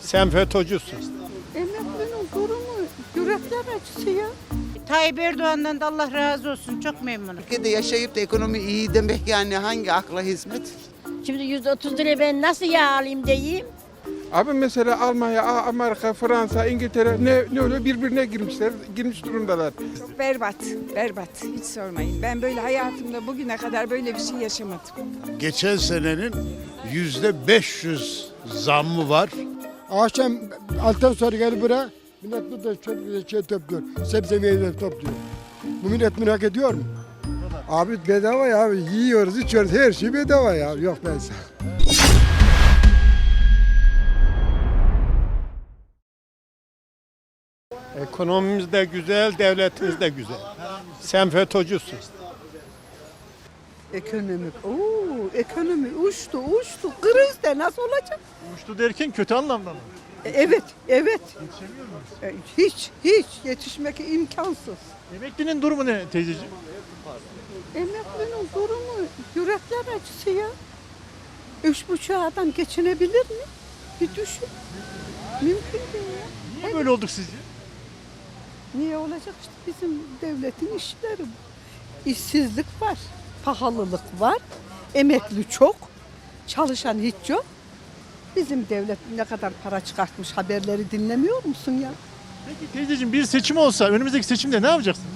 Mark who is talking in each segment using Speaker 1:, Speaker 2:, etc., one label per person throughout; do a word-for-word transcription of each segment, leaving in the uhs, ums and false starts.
Speaker 1: Sen FETÖ'cüsün.
Speaker 2: Emeklinin durumu yürekler acısı ya.
Speaker 3: Tayyip Erdoğan'dan da Allah razı olsun. Çok memnunum.
Speaker 4: Ülkede yaşayıp da ekonomi iyi demek yani hangi akla hizmet?
Speaker 5: Şimdi yüzde otuz liraya ben nasıl yağ alayım diyeyim.
Speaker 6: Abi mesela Almanya, Amerika, Fransa, İngiltere ne, ne oluyor birbirine girmişler, girmiş durumdalar.
Speaker 2: Berbat, berbat. Hiç sormayın. Ben böyle hayatımda bugüne kadar böyle bir şey yaşamadım.
Speaker 7: Geçen senenin yüzde beş yüz zammı var.
Speaker 8: Akşam alttan sonra gelip buraya millet burada çok şey topluyor. Sebze meyveleri topluyor. Bu millet bunu hak ediyor mu? Abi bedava ya. Yiyoruz, içiyoruz. Her şey bedava ya. Yok ben sana.
Speaker 1: Ekonomimiz de güzel, devletimiz de güzel. Sen FETÖ'cüsün.
Speaker 2: Ekonomik, ooo ekonomi uçtu, uçtu. Krizde nasıl olacak?
Speaker 9: Uçtu derken kötü anlamda mı?
Speaker 2: E, Evet, evet.
Speaker 9: Yetişemiyor muyuz?
Speaker 2: E, Hiç, hiç yetişmek imkansız.
Speaker 9: Emeklinin durumu ne teyzeciğim?
Speaker 2: Emeklinin durumu yürekler acısı ya. Üç buçuk adam geçinebilir mi? Bir düşün. Mümkün değil ya.
Speaker 9: Niye böyle olduk sizce?
Speaker 2: Niye olacak işte bizim devletin işleri bu. İşsizlik var, pahalılık var, emekli çok, çalışan hiç yok. Bizim devlet ne kadar para çıkartmış haberleri dinlemiyor musun ya?
Speaker 9: Peki teyzeciğim bir seçim olsa önümüzdeki seçimde ne yapacaksınız?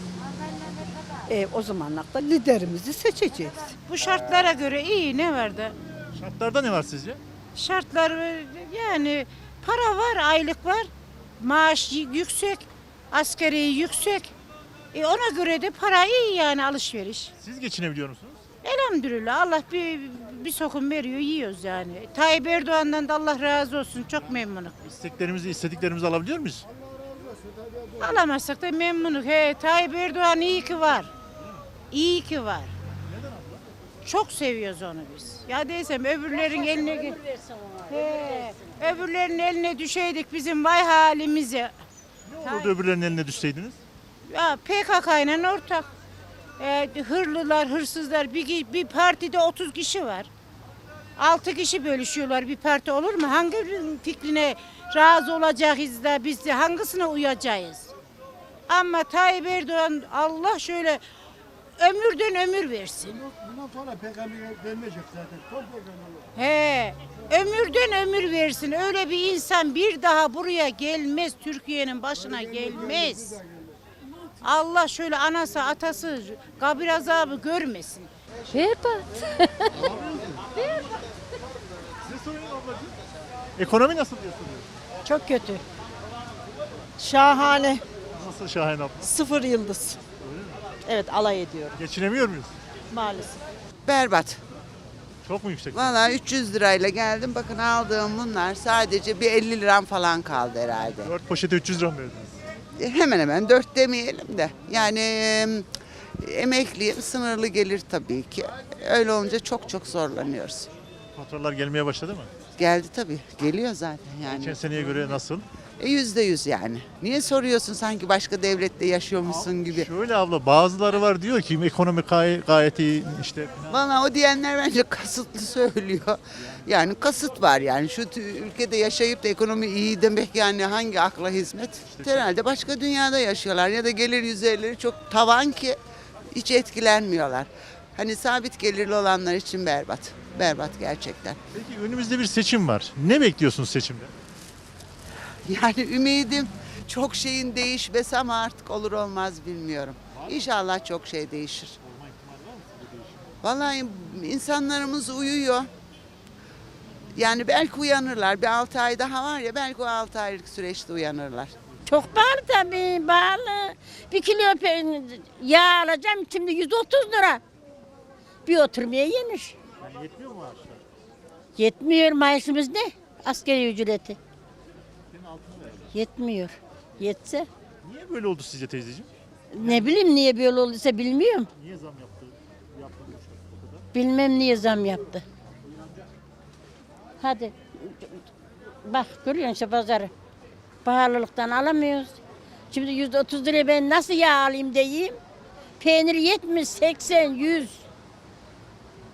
Speaker 2: E, o zamanlarda liderimizi seçeceğiz.
Speaker 3: Bu şartlara göre iyi ne var da?
Speaker 9: Şartlarda ne var sizce?
Speaker 3: Şartlar yani para var, aylık var. Maaş y- yüksek, asgari yüksek. E ona göre de para iyi yani alışveriş.
Speaker 9: Siz geçinebiliyor musunuz?
Speaker 3: Elhamdülillah Allah bir, bir sokum veriyor yiyoruz yani. Tayyip Erdoğan'dan da Allah razı olsun. Çok memnunum.
Speaker 9: İsteklerimizi, istediklerimizi alabiliyor muyuz?
Speaker 3: Alamazsak da memnunum. He, Tayyip Erdoğan iyi ki var. İyi ki var. Çok seviyoruz onu biz. Ya desem öbürlerin eline ge- He, öbürlerin eline düşeydik bizim vay halimize.
Speaker 9: Ne olurdu öbürlerinin eline düşseydiniz?
Speaker 3: Ya P K K ile ortak. Ee, hırlılar, hırsızlar bir, bir partide otuz kişi var. altı kişi bölüşüyorlar bir parti olur mu? Hangi fikrine razı olacağız da biz de hangisine uyacağız? Ama Tayyip Erdoğan Allah şöyle ömürden ömür versin.
Speaker 8: Bundan sonra P K K vermeyecek zaten. Son P K K.
Speaker 3: He, ömürden ömür versin. Öyle bir insan bir daha buraya gelmez. Türkiye'nin başına gelmez. Allah şöyle anası atası kabir azabı görmesin.
Speaker 5: Berbat.
Speaker 9: Size sorayım ablacığım. Ekonomi nasıl diye soruyorum.
Speaker 2: Çok kötü. Şahane.
Speaker 9: Nasıl Şahin abla?
Speaker 2: Sıfır yıldız. Evet alay ediyorum
Speaker 9: Geçinemiyor muyuz?
Speaker 2: maalesef.
Speaker 4: Berbat.
Speaker 9: Çok mu yüksek?
Speaker 4: Valla üç yüz lirayla geldim. Bakın aldığım bunlar sadece bir elli liram falan kaldı herhalde.
Speaker 9: dört poşete üç yüz lira mı verdiniz?
Speaker 4: Hemen hemen dört demeyelim de. Yani e, emekliyim, sınırlı gelir tabii ki. Öyle olunca çok çok zorlanıyoruz.
Speaker 9: Faturalar gelmeye başladı mı?
Speaker 4: Geldi tabii. Geliyor zaten yani.
Speaker 9: Geçen seneye göre nasıl?
Speaker 4: E, yüzde yüz yani. Niye soruyorsun sanki başka devlette yaşıyormuşsun gibi?
Speaker 9: Şöyle abla bazıları var diyor ki ekonomi gay- gayet iyi işte.
Speaker 4: Valla o diyenler bence kasıtlı söylüyor. Yani kasıt var yani. Şu tü- ülkede yaşayıp da ekonomi iyi demek yani hangi akla hizmet? Herhalde başka dünyada yaşıyorlar ya da gelir yüzeyleri çok tavan ki hiç etkilenmiyorlar. Hani sabit gelirli olanlar için berbat. Berbat gerçekten.
Speaker 9: Peki önümüzde bir seçim var. Ne bekliyorsunuz seçimde?
Speaker 4: Yani ümidim çok şeyin değişmesi ama artık olur olmaz bilmiyorum. İnşallah çok şey değişir. Vallahi insanlarımız uyuyor. Yani belki uyanırlar. Bir altı ay daha var ya belki o altı aylık süreçte uyanırlar.
Speaker 5: Çok pahalı tabii, pahalı. Bir kilo pe- yağ alacağım şimdi yüz otuz lira. Bir oturmaya yenir.
Speaker 9: Yani yetmiyor mu maaşlar?
Speaker 5: Yetmiyor maaşımız ne? Asgari ücreti. Yetmiyor. Yetse
Speaker 9: Niye böyle oldu sizce teyzeciğim?
Speaker 5: ne bileyim niye böyle olduysa bilmiyorum.
Speaker 9: Niye zam yaptı? Yaptı bu kadar.
Speaker 5: Bilmem niye zam yaptı. Hadi. Bak görüyorsun şu pazarı. Pahalılıktan alamıyoruz. Şimdi yüz otuz liraya ben nasıl yağ alayım diyeyim. Peynir yetmiş, seksen, yüz.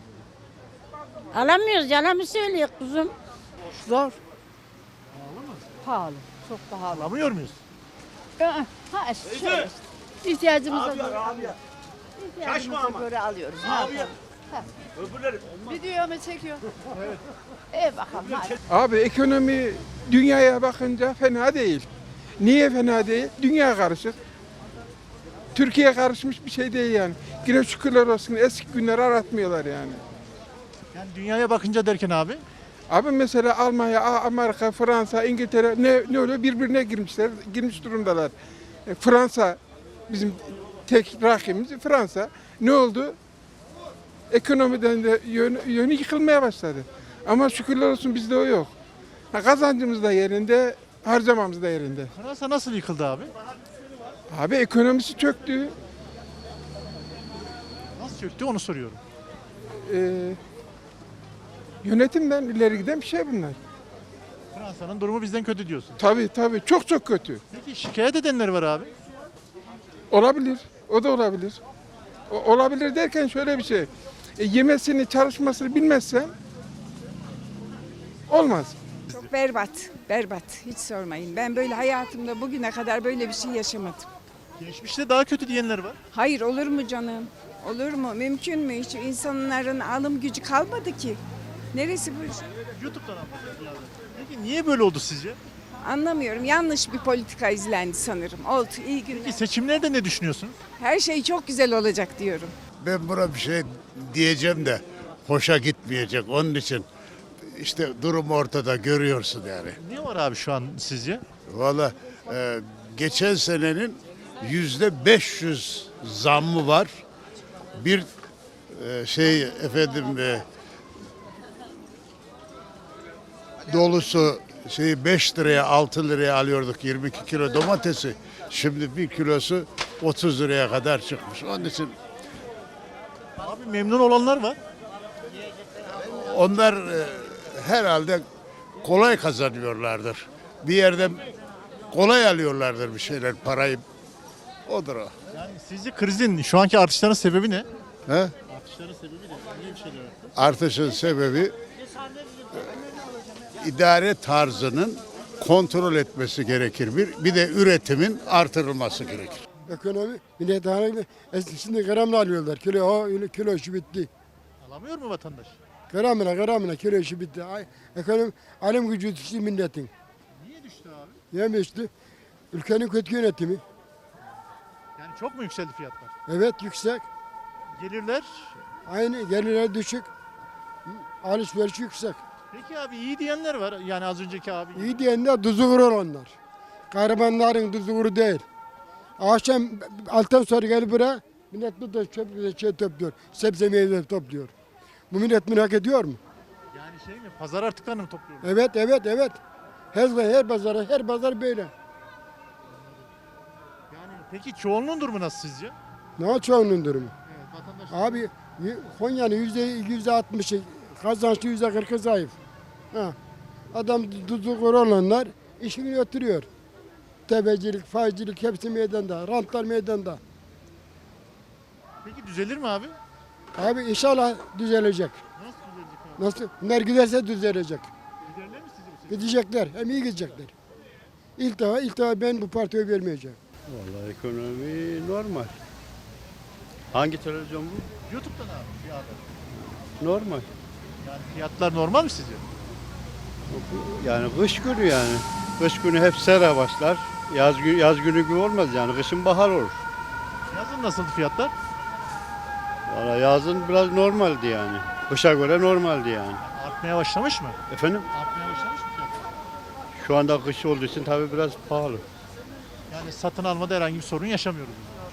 Speaker 5: Alamıyoruz, yalan mı söylüyor kuzum?
Speaker 2: Zor. pahalı. Çok pahalı.
Speaker 9: Alamıyor muyuz?
Speaker 2: Ha, şöyle. İhtiyacımıza göre alıyoruz. İhtiyacımıza göre alıyoruz. Ne yapalım? Ha. Videomu çekiyor. Evet. İyi bakalım hadi.
Speaker 6: Abi ekonomi dünyaya bakınca fena değil. Niye fena değil? Dünya karışık. Türkiye karışmış bir şey değil yani. Yine şükürler olsun eski günleri aratmıyorlar yani.
Speaker 9: Yani dünyaya bakınca derken abi.
Speaker 6: Abi mesela Almanya, A- Amerika, Fransa, İngiltere ne, ne oluyor? Birbirine girmişler, girmiş durumdalar. E, Fransa bizim tek rakibimiz Fransa. Ne oldu? Ekonomiden de yönü, yönü yıkılmaya başladı. Ama şükürler olsun bizde o yok. Ha, kazancımız da yerinde, harcamamız da yerinde.
Speaker 9: Fransa nasıl yıkıldı abi?
Speaker 6: Abi ekonomisi çöktü.
Speaker 9: Nasıl çöktü onu soruyorum.
Speaker 6: Ee, yönetimden ileri giden bir şey bunlar.
Speaker 9: Fransa'nın durumu bizden kötü diyorsun.
Speaker 6: Tabii tabii çok çok kötü.
Speaker 9: Peki şikayet edenler var abi.
Speaker 6: Olabilir. O da olabilir. O- olabilir derken şöyle bir şey. E, yemesini, çalışmasını bilmezsen olmaz.
Speaker 10: Çok berbat, berbat. Hiç sormayın. Ben böyle hayatımda bugüne kadar böyle bir şey yaşamadım.
Speaker 9: Geçmişte daha kötü diyenler var.
Speaker 10: Hayır olur mu canım? Olur mu? Mümkün mü? Hiç insanların alım gücü kalmadı ki. Neresi bu?
Speaker 9: YouTube'dan anlatıyoruz yani. Peki niye böyle oldu sizce?
Speaker 10: Anlamıyorum. Yanlış bir politika izlendi sanırım. Oldu. İyi günler.
Speaker 9: Peki seçimlerde ne düşünüyorsunuz?
Speaker 10: Her şey çok güzel olacak diyorum.
Speaker 7: Ben buna bir şey diyeceğim de hoşa gitmeyecek. Onun için işte durum ortada görüyorsun yani.
Speaker 9: Ne var abi şu an sizce?
Speaker 7: Valla e, geçen senenin yüzde beş yüz zammı var. Bir e, şey efendim e, dolusu şeyi beş liraya altı liraya alıyorduk yirmi iki kilo domatesi. Şimdi bir kilosu otuz liraya kadar çıkmış. Onun için
Speaker 9: Abi memnun olanlar var.
Speaker 7: onlar e, herhalde kolay kazanıyorlardır. Bir yerden kolay alıyorlardır bir şeyler parayı. Odur o.
Speaker 9: Yani sizce krizin şu anki artışların sebebi ne?
Speaker 7: He?
Speaker 9: Artışların sebebi ne? Niye bir şeyler arttı?
Speaker 7: Artışın sebebi e, idare tarzının kontrol etmesi gerekir. Bir, bir de üretimin artırılması gerekir.
Speaker 8: Ekonomi millet halinde şimdi gramla alıyorlar. Kilo o öyle kilo işi bitti.
Speaker 9: Alamıyor mu vatandaş?
Speaker 8: Gramına gramına kilo işi bitti. Ay, ekonomi alım gücü düştü milletin.
Speaker 9: Niye düştü abi?
Speaker 8: Niye düştü? Ülkenin kötü yönetimi.
Speaker 9: Yani çok mu yükseldi fiyatlar?
Speaker 8: Evet yüksek.
Speaker 9: Gelirler.
Speaker 8: Aynı gelirler düşük. Alışveriş yüksek.
Speaker 9: Peki abi iyi diyenler var. Yani az önceki abi.
Speaker 8: İyi diyenler tuzu kurur onlar. Garibanların tuzu kuru değil. Akşam alttan sonra gelip buraya millet burada çöp şey topluyor. Sebze meyve topluyor. Bu millet bunu hak ediyor mu?
Speaker 9: Yani şey mi? Pazar artıklarını mı topluyorlar?
Speaker 8: Evet evet evet. Her her pazar her pazar böyle.
Speaker 9: Yani peki çoğunluğun durumu nasıl sizce?
Speaker 8: Ne o çoğunun durumu?
Speaker 9: Evet, vatandaş.
Speaker 8: Abi y- Konya'nın yüzde yüzde altmışı kazançlı yüzde kırkı zayıf. Ha. Adam tuzu kuru olanlar işini götürüyor. Tebecilik, faizcilik hepsi meydanda. Rantlar meydanda.
Speaker 9: Peki düzelir mi abi?
Speaker 8: Abi inşallah düzelecek.
Speaker 9: Nasıl düzelecek abi?
Speaker 8: Nasıl? Bunlar giderse düzelecek.
Speaker 9: Giderler mi sizce bu sefer?
Speaker 8: Gidecekler. Hem iyi gidecekler. İlk defa, ilk defa ben bu partiye vermeyeceğim.
Speaker 11: Vallahi ekonomi normal. Hangi televizyon bu?
Speaker 9: YouTube'dan abi bir haber.
Speaker 11: Normal.
Speaker 9: Yani fiyatlar normal mi sizce?
Speaker 11: Yani kış günü yani. Kış günü hep sera başlar. Yaz, gü- yaz günü gibi olmaz yani. Kışın bahar olur.
Speaker 9: Yazın nasıldı fiyatlar?
Speaker 11: Vallahi yazın biraz normaldi yani. Kışa göre normaldi yani.
Speaker 9: Artmaya başlamış mı?
Speaker 11: Efendim?
Speaker 9: Artmaya başlamış mı fiyatlar?
Speaker 11: Şu anda kış olduğu için tabii biraz pahalı.
Speaker 9: Yani satın almada herhangi bir sorun yaşamıyoruz.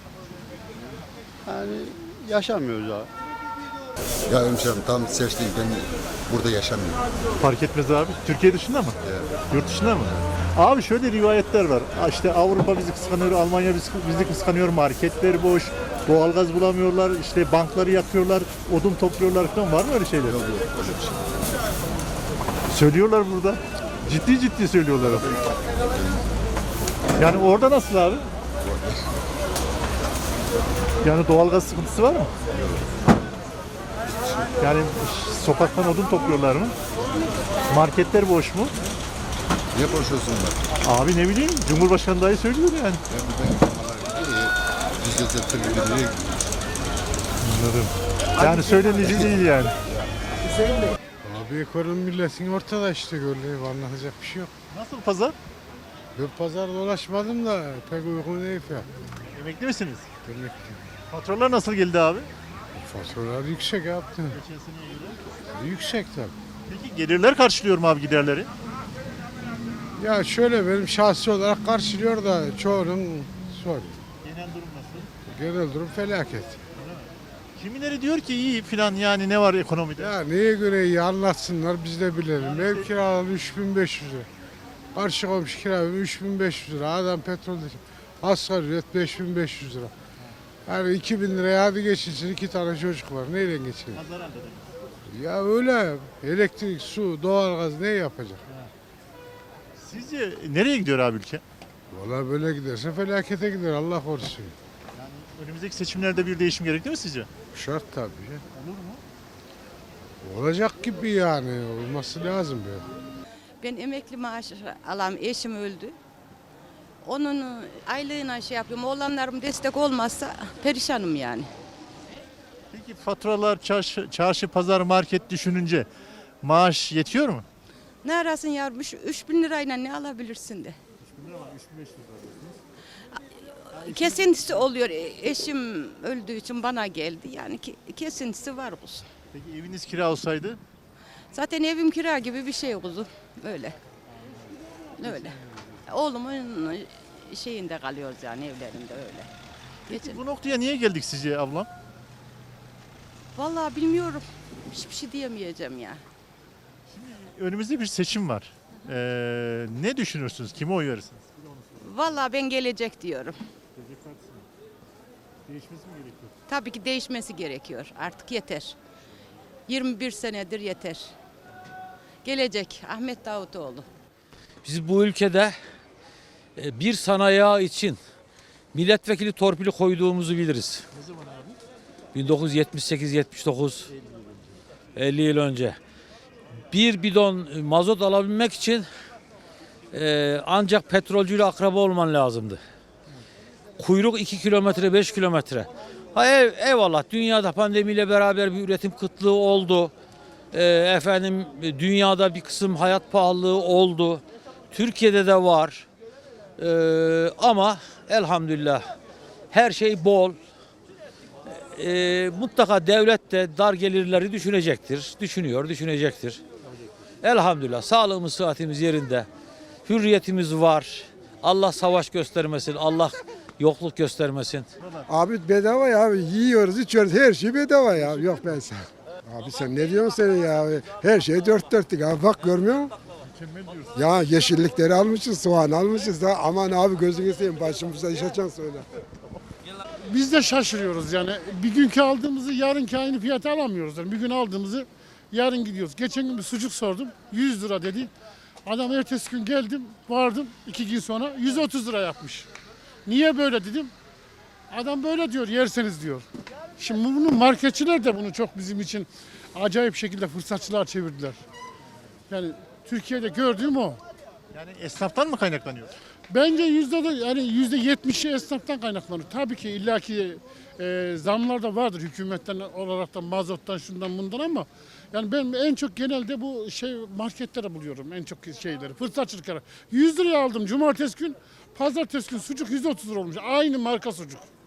Speaker 11: Yani yaşamıyoruz abi.
Speaker 12: Ya hemşerim tam seçtiğim ben burada yaşamıyorum.
Speaker 9: Fark etmez abi. Türkiye dışında mı? Yurt dışında mı? Abi şöyle rivayetler var. Ha İşte Avrupa bizi kıskanıyor, Almanya bizi, bizi kıskanıyor, marketler boş, doğalgaz bulamıyorlar, işte bankları yakıyorlar, odun topluyorlar falan. Var mı öyle şeyler?
Speaker 12: Yok yok öyle bir şey.
Speaker 9: Söylüyorlar burada. Ciddi ciddi söylüyorlar. Yani orada nasıl abi? Yani doğalgaz sıkıntısı var mı? Yani sokaktan odun topluyorlar mı? Marketler boş mu?
Speaker 12: Niye konuşuyorsun bunlar?
Speaker 9: Abi ne bileyim Cumhurbaşkanı dahi söylüyor yani.
Speaker 12: Ya bu benim yüzde seksen liraya
Speaker 9: Anladım. Yani söylenici değil yani.
Speaker 7: Abi ekonomi milletin ortada işte gördüğü anlatacak bir şey yok.
Speaker 9: Nasıl pazar?
Speaker 7: Ben pazar dolaşmadım da pek uygun değil ya.
Speaker 9: Emekli misiniz?
Speaker 7: Demek ki
Speaker 9: Faturalar nasıl geldi abi?
Speaker 7: faturalar yüksek yaptı.
Speaker 9: Geçen seneye göre.
Speaker 7: Yüksek tabii.
Speaker 9: Peki gelirler karşılıyor mu abi giderleri?
Speaker 7: Ya şöyle benim şahsi olarak karşılıyor da çoğunun zor.
Speaker 9: Genel durum nasıl?
Speaker 7: Genel durum felaket.
Speaker 9: Kimileri diyor ki iyi filan yani ne var ekonomide?
Speaker 7: Ya neye göre iyi anlatsınlar biz de bilelim. Ev kiraları üç bin beş yüz lira. Karşı komşu kira üç bin beş yüz lira. Adam petrol asgari ücret beş bin beş yüz lira. Yani iki bin liraya hadi geçinsin iki tane çocuk var. Neyle geçinir?
Speaker 9: Pazar halde de.
Speaker 7: Ya öyle elektrik, su, doğalgaz ne yapacak?
Speaker 9: Sizce nereye gidiyor abi ülke?
Speaker 7: Valla böyle giderse felakete gider Allah korusun.
Speaker 9: Önümüzdeki seçimlerde bir değişim gerekli mi sizce?
Speaker 7: Şart tabii.
Speaker 9: Olur mu?
Speaker 7: Olacak gibi yani olması lazım böyle.
Speaker 13: Ben emekli maaşı alan eşim öldü. Onun aylığına şey yapıyorum. Oğlanlarım destek olmazsa perişanım yani.
Speaker 9: Peki faturalar, çarşı, çarşı, pazar, market düşününce maaş yetiyor mu?
Speaker 13: Ne arasın yavrum? üç bin lirayla ne alabilirsin de? Kesintisi oluyor. Eşim öldüğü için bana geldi. Yani ki, kesintisi var kuzum.
Speaker 9: Peki eviniz kira olsaydı?
Speaker 13: Zaten evim kira gibi bir şey kuzum. Öyle. Öyle. Oğlumun şeyinde kalıyoruz yani evlerinde öyle. Geçin.
Speaker 9: Bu noktaya niye geldik sizce ablam?
Speaker 13: Vallahi bilmiyorum. Hiçbir şey diyemeyeceğim ya.
Speaker 9: Önümüzde bir seçim var. Ee, ne düşünürsünüz? Kime oy verirsiniz?
Speaker 13: Vallahi ben gelecek diyorum.
Speaker 9: Değişmesi mi gerekiyor?
Speaker 13: Tabii ki değişmesi gerekiyor. Artık yeter. yirmi bir senedir yeter. Gelecek Ahmet Davutoğlu.
Speaker 14: Biz bu ülkede e, bir sanayi için milletvekili torpili koyduğumuzu biliriz.
Speaker 9: Ne zaman abi?
Speaker 14: bin dokuz yüz yetmiş sekiz yetmiş dokuz elli yıl önce. Bir bidon mazot alabilmek için e, ancak petrolcüyle akraba olman lazımdı. Kuyruk iki kilometre beş kilometre. Ha ev, eyvallah dünyada pandemiyle beraber bir üretim kıtlığı oldu. E, efendim dünyada bir kısım hayat pahalılığı oldu. Türkiye'de de var. E, ama elhamdülillah her şey bol. E, mutlaka devlet de dar gelirleri düşünecektir. Düşünüyor, düşünecektir. Elhamdülillah sağlığımız, sıhhatimiz yerinde. Hürriyetimiz var. Allah savaş göstermesin. Allah yokluk göstermesin.
Speaker 8: Abi bedava ya abi yiyoruz içiyoruz her şey bedava ya. Yok ben sen. Abi sen ne diyorsun sen ya? Her şey dört dörtlük abi bak görmüyor musun? Ya yeşillikleri almışız, soğan almışız da aman abi gözünü seveyim başımıza iş açan söyle.
Speaker 15: Biz de şaşırıyoruz yani. Bir günkü aldığımızı yarınki aynı fiyata alamıyoruz. Yani bir gün aldığımızı yarın gidiyoruz. Geçen gün bir sucuk sordum. yüz lira dedi. Adam ertesi gün geldim, vardım iki gün sonra yüz otuz lira yapmış. Niye böyle dedim. Adam böyle diyor, yerseniz diyor. Şimdi bunu marketçiler de bunu çok bizim için acayip şekilde fırsatçılar çevirdiler. Yani Türkiye'de gördüğüm o.
Speaker 9: Yani esnaftan mı kaynaklanıyor?
Speaker 15: Bence yüzde de yani yüzde yetmişi esnaftan kaynaklanıyor. Tabii ki illaki e, zamlar da vardır hükümetten olarak da mazottan şundan bundan ama yani ben en çok genelde bu şey marketlere buluyorum en çok şeyleri fırsatçılıklara. yüz liraya aldım cumartesi gün, pazartesi gün sucuk yüz otuz lira olmuş. Aynı marka sucuk.